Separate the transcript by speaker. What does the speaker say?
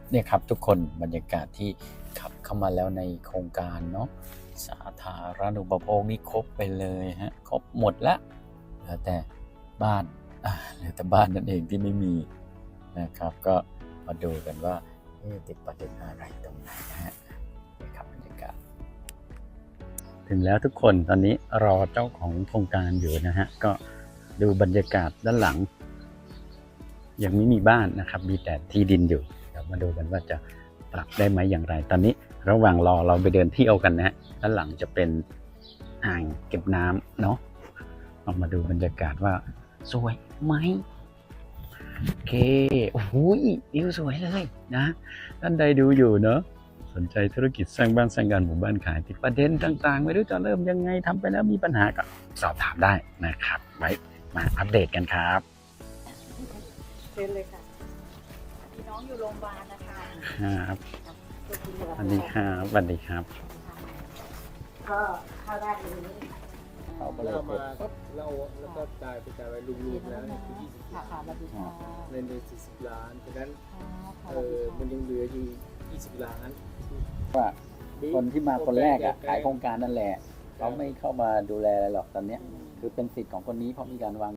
Speaker 1: เนี่ยครับทุกคนบรรยากาศที่ขับเข้ามาแล้วในโครงการเนาะสาธารณูปโภคนี่ครบไปเลยฮะครบหมดละเหลือแต่บ้านเหลือแต่บ้านนั่นเองที่ไม่มีนะครับก็มาดูกันว่าติดประเด็นอะไรตรงไหนนะฮะนี่ครับบรรยากาศถึงแล้วทุกคนตอนนี้รอเจ้าของโครงการอยู่นะฮะก็ดูบรรยากาศด้านหลังยังไม่มีบ้านนะครับมีแต่ที่ดินอยู่เดี๋ยวมาดูกันว่าจะปรับได้ไหมอย่างไรตอนนี้ระหว่างรอเราไปเดินเที่ยวกันนะฮะด้านหลังจะเป็นอ่างเก็บน้ำเนาะออกมาดูบรรยากาศว่าสวยไหมโอเคโอ้โหวิวสวยเลยนะท่านใดดูอยู่เนาะสนใจธุรกิจสร้างบ้านสร้างงานหมู่บ้านขายติดประเด็นต่างๆไม่รู้จะเริ่มยังไงทำไปแล้วมีปัญหาก็สอบถามได้นะครับไว้มาอัปเดตกันครับ
Speaker 2: เชิญเลยค่ะพี่น้องอยู่โรงพยาบาลนะคะ
Speaker 1: ครับสวัสดีครับสวัสดีครับ
Speaker 2: ก็เข้าได้เลย
Speaker 1: เขาก็เลย
Speaker 3: เรามาแล้วก็จ่ายไปรวมๆแล้วเนี่ยคือ20
Speaker 2: ค่ะ
Speaker 3: ล้าน
Speaker 2: สวัสดีค่ะ
Speaker 3: เงินเป็น40 ล้านฉะนั้น
Speaker 2: ค่ะ
Speaker 3: มันยังเหลืออยู่20 ล้าน
Speaker 1: ว่าคนที่มาคนแรกอ่ะขายโครงการนั่นแหละเขาไม่เข้ามาดูแลอะไรหรอกตอนเนี้ยคือเป็นสิทธิ์ของคนนี้เพราะมีการวาง